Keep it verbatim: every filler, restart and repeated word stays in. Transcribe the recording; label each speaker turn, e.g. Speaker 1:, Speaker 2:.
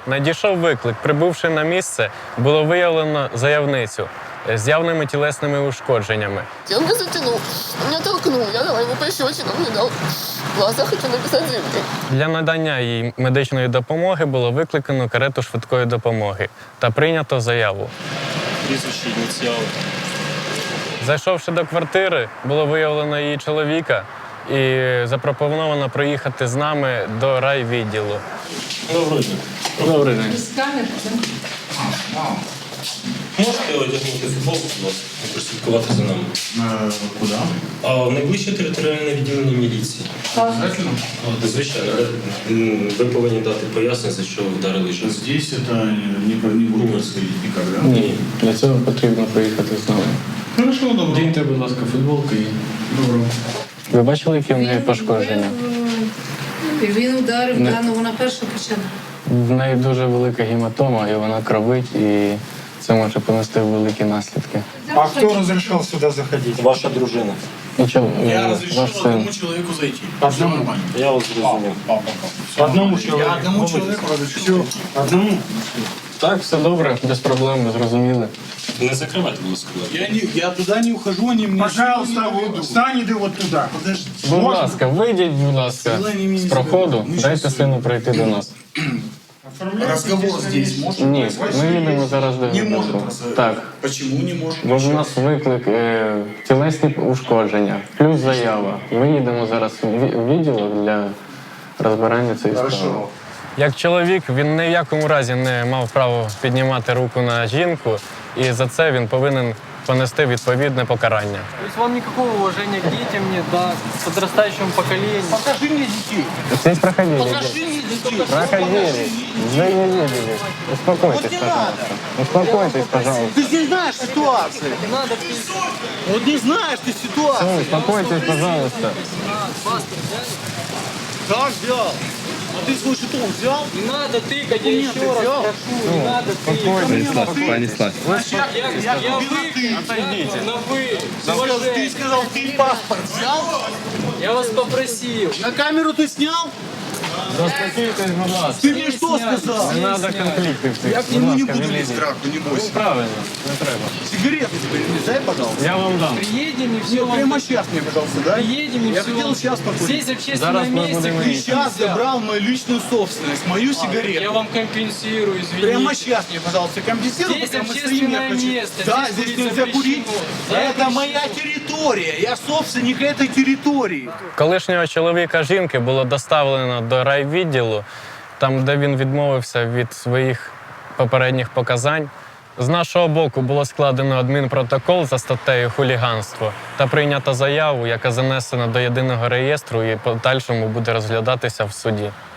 Speaker 1: Надійшов виклик. Прибувши на місце, було виявлено заявницю з явними тілесними ушкодженнями.
Speaker 2: Он меня затянул, он меня толкнул, я дала ему пощечину, мне дал в глаза, хочу написать заявление.
Speaker 1: Для надання їй медичної допомоги було викликано карету швидкої допомоги та прийнято заяву.
Speaker 3: Прізвище, ініціали.
Speaker 1: Зайшовши до квартири, було виявлено її чоловіка і запропоновано проїхати з нами до райвідділу.
Speaker 3: Доброго дня.
Speaker 1: Добрий день.
Speaker 3: Можете одягнути футболку, будь ласка, і прослідкувати за нами?
Speaker 4: Е, Куди?
Speaker 3: А в найближче територіальне відділення міліції.
Speaker 4: Обязательно?
Speaker 3: Звичайно. М, Ви повинні дати пояснення, за що ви вдарили жінку.
Speaker 4: Здесь это не, про- не будет происходить никогда.
Speaker 1: Ні, для цього потрібно проїхати з нами.
Speaker 4: Хорошо, добро.
Speaker 1: Діньте, будь ласка, футболку і...
Speaker 4: Добро.
Speaker 1: Ви бачили, які в неї пошкодження?
Speaker 5: І він ударив
Speaker 1: Не.
Speaker 5: дану, вона перша почала.
Speaker 1: В неї дуже велика гематома, і вона кровить, і це може понести великі наслідки.
Speaker 6: А кто разрешал сюда заходить?
Speaker 3: Ваша дружина.
Speaker 1: Нічого,
Speaker 4: Я
Speaker 1: е,
Speaker 4: разрешил
Speaker 1: ваш син.
Speaker 4: одному человеку зайти. Все нормально.
Speaker 3: Я вас зрозумів.
Speaker 4: Папа, папа.
Speaker 6: Одному
Speaker 4: Я
Speaker 6: человеку.
Speaker 4: одному человеку разрешил.
Speaker 6: Все, одному.
Speaker 1: Так, все добре, без проблем, зрозуміли.
Speaker 3: Не закривайте, будь ласка, двері.
Speaker 4: Я, не, я туда не ухожу, они мне
Speaker 6: Пожалуйста,
Speaker 4: силой не
Speaker 6: вот,
Speaker 4: ведут.
Speaker 6: встань иди вот туда.
Speaker 4: Подожди.
Speaker 1: Будь ласка, вийдіть, будь ласка, з проходу, дайте сину пройти до нас.
Speaker 4: Разговор здесь может
Speaker 1: Ні,
Speaker 4: происходить?
Speaker 1: ми їдемо зараз до
Speaker 4: Не может.
Speaker 1: відділку.
Speaker 4: раз-
Speaker 1: Так,
Speaker 4: Почему не может?
Speaker 1: бо в нас виклик е, тілесні ушкодження, плюс заява. Ми їдемо зараз в ві- в відділок для розбирання цієї справи.
Speaker 4: Хорошо.
Speaker 1: Як чоловік, він ні в якому разі не мав права піднімати руку на жінку, і за це він повинен понести відповідне покарання.
Speaker 7: То есть вам никакого уважения к детям нет, да, к подрастающему поколению.
Speaker 4: Покажи мне детей.
Speaker 1: Здесь проходили.
Speaker 4: Покажи мне детей.
Speaker 1: Проходили. Вы не видели. Успокойтесь, пожалуйста. Успокойтесь, пожалуйста.
Speaker 6: Ты не знаешь ситуации.
Speaker 7: Не надо ты
Speaker 6: Вот не знаешь ты ситуацию.
Speaker 1: Все, успокойтесь, пожалуйста.
Speaker 7: паспорт взяли?
Speaker 6: Так взял. А ты свой жетон взял?
Speaker 7: Не надо тыкать, я еще раз
Speaker 6: взял?
Speaker 7: прошу, не надо тыкать.
Speaker 1: Станислав.
Speaker 7: Я, я, я вы,
Speaker 1: Отойдите.
Speaker 7: на вы, с
Speaker 6: Ты
Speaker 7: уважением.
Speaker 6: сказал, ты паспорт взял?
Speaker 7: Я вас попросил.
Speaker 6: На камеру ты снял?
Speaker 1: Заспокойтесь, будь ласка.
Speaker 6: Ты мне что сказал?
Speaker 1: Не треба конфліктів цих.
Speaker 6: Я к
Speaker 1: Будь
Speaker 6: нему не
Speaker 1: ласка,
Speaker 6: буду
Speaker 1: не
Speaker 6: лезть в
Speaker 1: лізьте.
Speaker 6: драку, не бойся.
Speaker 1: Правильно, не треба.
Speaker 6: Сигареты теперь мне дай, пожалуйста.
Speaker 1: Я вам дам.
Speaker 7: Приедем и все
Speaker 6: Все,
Speaker 7: вам...
Speaker 6: прямо сейчас мне, пожалуйста, дай.
Speaker 7: Приедем и
Speaker 6: Я
Speaker 7: все
Speaker 6: хотел
Speaker 7: вам...
Speaker 6: сейчас покурить.
Speaker 7: Здесь в общественном
Speaker 1: Зараз ми
Speaker 7: месте
Speaker 1: будемо
Speaker 6: Ты
Speaker 7: курить
Speaker 6: сейчас
Speaker 7: нельзя.
Speaker 6: забрал мою личную собственность, мою сигарету.
Speaker 7: Я вам компенсирую, извините.
Speaker 6: Прямо сейчас мне, пожалуйста, компенсируй,
Speaker 7: Здесь
Speaker 6: потому что
Speaker 7: общественное
Speaker 6: я хочу.
Speaker 7: место,
Speaker 6: Да,
Speaker 7: здесь
Speaker 6: здесь
Speaker 7: курить
Speaker 6: нельзя курить.
Speaker 7: запрещено.
Speaker 6: Это моя территория. Я собственник этой территории.
Speaker 1: Колишнього чоловіка жінки було доставлено до райвідділу, там, де він відмовився від своїх попередніх показань. З нашого боку було складено адмінпротокол за статтею хуліганство та прийнято заяву, яка занесена до єдиного реєстру і в подальшому буде розглядатися в суді.